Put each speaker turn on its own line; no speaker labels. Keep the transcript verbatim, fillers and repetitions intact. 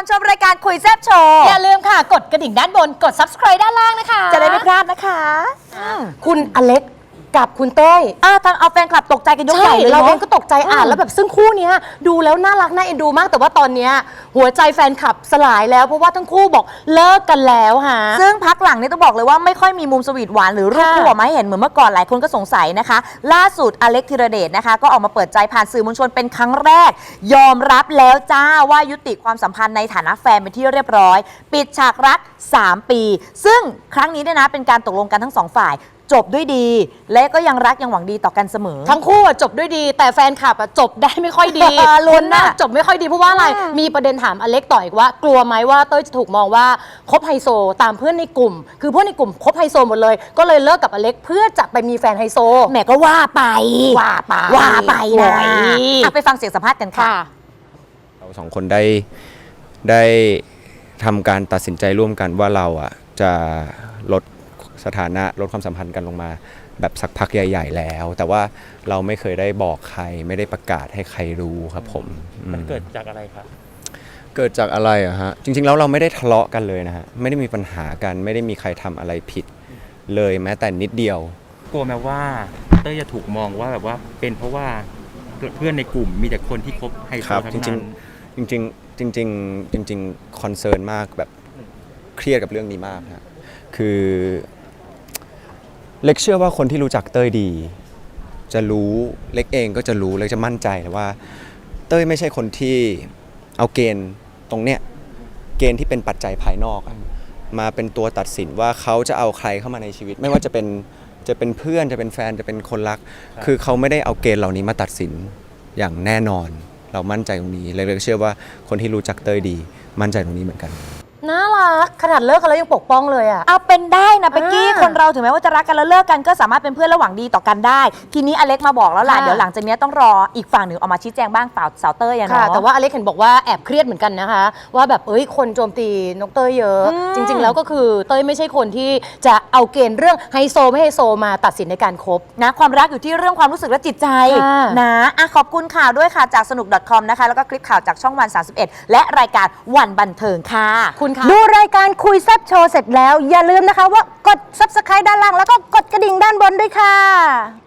ชมรายการคุยแซ่บโชว์
อย่าลืมค่ะกดกระดิ่งด้านบนกด ซับสไครบ์ ด้านล่างนะคะ
จะได้ไม่พลาดนะคะ
คุณอเล็กกับคุณเต้ย
อ่าทางเอาแฟนคลับตกใจกันยกใหญ่เลย
เราเองก็ตกใจอ่านแล้วแบบซึ่งคู่นี้ดูแล้วน่ารักน่าเอ็นดูมากแต่ว่าตอนนี้หัวใจแฟนคลับสลายแล้วเพราะว่าทั้งคู่บอกเลิกกันแล้วฮะ
ซึ่งพักหลังนี้ต้องบอกเลยว่าไม่ค่อยมีมุมสวีทหวานหรือรูปคู่ออกมาให้เห็นเหมือนเมื่อก่อนหลายคนก็สงสัยนะคะล่าสุดอเล็กธีรเดชนะคะก็ออกมาเปิดใจผ่านสื่อมวลชนเป็นครั้งแรกยอมรับแล้วจ้าว่ายุติความสัมพันธ์ในฐานะแฟนเป็นที่เรียบร้อยปิดฉากรักสามปีซึ่งครั้งนี้เนี่ยนะเป็นการตกลงกันทั้งสองฝ่ายจบด้วยดีและก็ยังรักยังหวังดีต่อกันเสมอ
ทั้งคู่จบด้วยดีแต่แฟนคลับจบได้ไม่ค่อยดี
ลุ้นนะ
จบไม่ค่อยดีเพราะว่าอะไรมีประเด็นถามอเล็กต่ออีกว่ากลัวไหมว่าเต้ยจะถูกมองว่าคบไฮโซตามเพื่อนในกลุ่มคือเพื่อนในกลุ่มคบไฮโซหมดเลยก็เลยเลิกกับอเล็กเพื่อจะไปมีแฟนไฮโซ
แหมก็ว่าไป
ว่าไป
ว่าไปนะไปฟังเสียงสัมภาษณ์กันค่ะ
เราสองคนได้ได้ทำการตัดสินใจร่วมกันว่าเราอ่ะจะลดสถานะลดความสัมพันธ์กันลงมาแบบสักพักใหญ่ๆแล้วแต่ว่าเราไม่เคยได้บอกใครไม่ได้ประกาศให้ใครรู้ครับผม
มันเกิดจากอะไรครับ
เกิดจากอะไรอะฮะจริงๆแล้วเราไม่ได้ทะเลาะกันเลยนะฮะไม่ได้มีปัญหากันไม่ได้มีใครทำอะไรผิดเลยแม้แต่นิดเดียว
กลัวแม้ว่าเต้ยจะถูกมองว่าแบบว่าเป็นเพราะว่าเพื่อนในกลุ่มมีแต่คนที่คบไฮโซทั้งนั้น
จริงๆจริงๆจริงๆจริงๆคอนเซิร์นมากแบบเครียดกับเรื่องนี้มากนะคือเล็กเชื่อว่าคนที่รู้จักเต้ยดีจะรู้เล็กเองก็จะรู้เล็กจะมั่นใจว่าเต้ยไม่ใช่คนที่เอาเกณฑ์ตรงเนี้ยเกณฑ์ที่เป็นปัจจัยภายนอกมาเป็นตัวตัดสินว่าเขาจะเอาใครเข้ามาในชีวิตไม่ว่าจะเป็นจะเป็นเพื่อนจะเป็นแฟนจะเป็นคนรักคือเขาไม่ได้เอาเกณฑ์เหล่านี้มาตัดสินอย่างแน่นอนเรามั่นใจตรงนี้เล็กเชื่อว่าคนที่รู้จักเต้ยดีมั่นใจตรงนี้เหมือนกัน
น่ารักขนาดเลิกกันแล้วยังปกป้องเลยอ่ะ
เอาเป็นได้นะเป๊กกี้คนเราถึงแม้ว่าจะรักกันแล้วเลิกกันก็สามารถเป็นเพื่อนและหวังดีต่อกันได้ทีนี้อเล็กมาบอกแล้วล่ะเดี๋ยวหลังจากนี้ต้องรออีกฝั่งหนึ่งออกมาชี้แจงบ้างเปล่าสาวเต้ยอะเนาะ
แต่ว่าอเล็กเห็นบอกว่าแอบเครียดเหมือนกันนะคะว่าแบบเอ้ยคนโจมตีนกเต้ยเยอะจริงๆแล้วก็คือเต้ยไม่ใช่คนที่จะเอาเกณฑ์เรื่องไฮโซไม่ไฮโซมาตัดสินในการคบ
นะความรักอยู่ที่เรื่องความรู้สึกและจิตใจนะอ่ะขอบคุณข่าวด้วยค่ะจากสนุก .com นะคะแล้วก็คลิปข่าวจากช่องวันสามสิบเอ็ดและรายการวันบันเทิงค่ะ
คุณคะ
ดูรายการคุยแซ่บโชว์เสร็จแล้วอย่าลืมนะคะว่ากด ซับสไครบ์ ด้านล่างแล้วก็กดกระดิ่งด้านบนด้วยค่ะ